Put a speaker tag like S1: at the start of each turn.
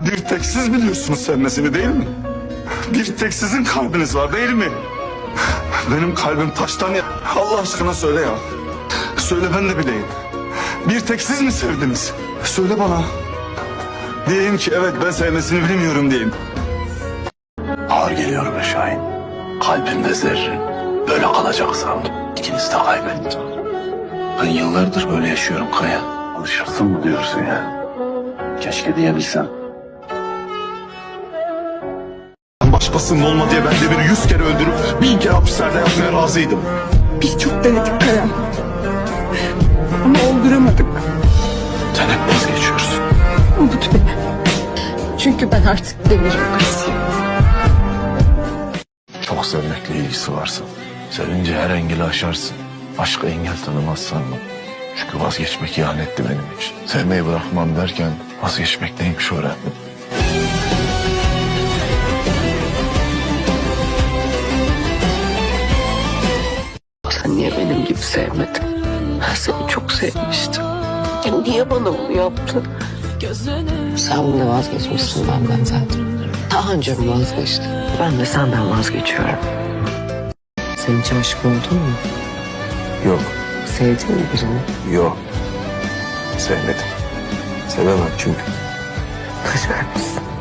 S1: Bir tek siz biliyorsunuz sevmesini, değil mi? Bir tek sizin kalbiniz var, değil mi? Benim kalbim taştan ya. Allah aşkına söyle ya. Söyle, ben de bileyim. Bir tek siz mi sevdiniz? Söyle bana. Diyeyim ki evet, ben sevmesini bilmiyorum diyeyim.
S2: Ağır geliyor be Şahin. Kalbimde zerrin. Böyle kalacak sandım. İkinizi de kaybettim. Ben yıllardır böyle yaşıyorum Kaya. Alışırsın mı diyorsun ya? Keşke diyebilsem.
S1: Başkasının olma diye ben de bir 100 kere öldürüp 1000 kere hapislerde yatmaya razıydım.
S3: Biz çok denedik Kaya. Ama olduramadık.
S2: Sen hep vazgeçiyorsun.
S3: Unut beni. Çünkü ben artık demirim kızıyım.
S2: Çok sevmekle ilgisi varsa. Sevince her engeli aşarsın. Aşka engel tanımaz sanma. Çünkü vazgeçmek ihanetti benim için. Sevmeyi bırakmam derken vazgeçmek neymiş öğrendim.
S3: Sen niye benim gibi sevmedin? Ben seni çok sevmiştim. Ya niye bana bunu yaptın?
S4: Sen bunda vazgeçmişsin benden zaten. Daha önce mi vazgeçtin? Ben de senden vazgeçiyorum. Sen hiç aşık oldun mu?
S2: Yok,
S4: Sevdin mi birini?
S2: yok. Sevmedim. Sevemem çünkü.
S4: Kaç vermişsin?